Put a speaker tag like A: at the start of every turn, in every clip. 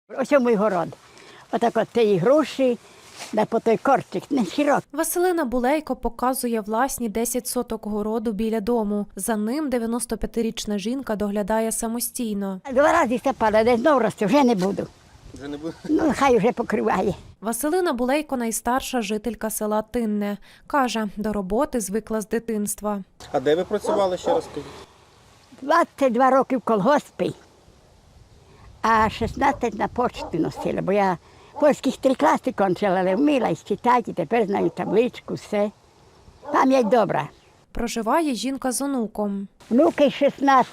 A: Ось мій город. Отак от ті гроші, да по той корчик, не широкий.
B: Василина Булейко показує власні 10 соток городу біля дому. За ним 95-річна жінка доглядає самостійно.
A: 2 рази сапала, де знов росте, вже не буду.
C: Вже не буде?
A: Ну, хай вже покриває.
B: Василина Булейко – найстарша жителька села Тинне. Каже, до роботи звикла з дитинства.
C: А де ви працювали, ще раз скажіть?
A: 22 роки в колгоспі, а 16 на почту носила, бо я польських 3 класи кончила, але вміла і читати, тепер знаю табличку, все. Пам'ять добра.
B: Проживає жінка з онуком.
A: Внуки 16,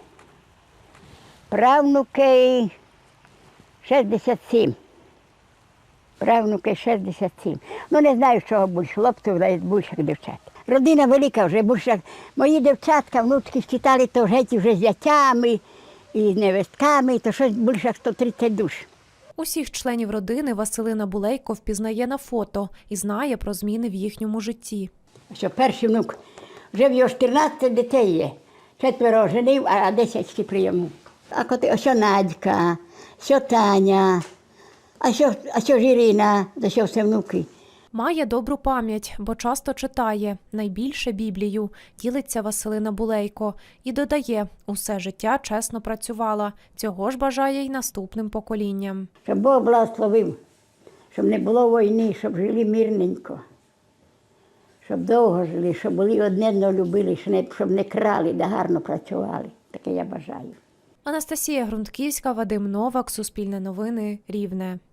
A: правнуки 67. Правнуки 67. Ну, не знаю, чого більше, хлопців, а більше дівчат. Родина велика вже, більше. Мої дівчатка, внучки читали, то вже з дітями і з невестками, то щось більше 130 душ.
B: Усіх членів родини Василина Булейко впізнає на фото і знає про зміни в їхньому житті.
A: Що перший внук, вже в його 14 дітей є. 4 женив, а 10 ще прийому. А що Надька, що Таня, а що Жирина, за що все внуки.
B: Має добру пам'ять, бо часто читає, найбільше Біблію, ділиться Василина Булейко. І додає, усе життя чесно працювала. Цього ж бажає й наступним поколінням.
A: Щоб Бог благословив, щоб не було війни, щоб жили мирненько, щоб довго жили, щоб були одне одного любили, щоб не крали, да гарно працювали. Таке я бажаю.
B: Анастасія Грунтківська, Вадим Новак, Суспільне новини, Рівне.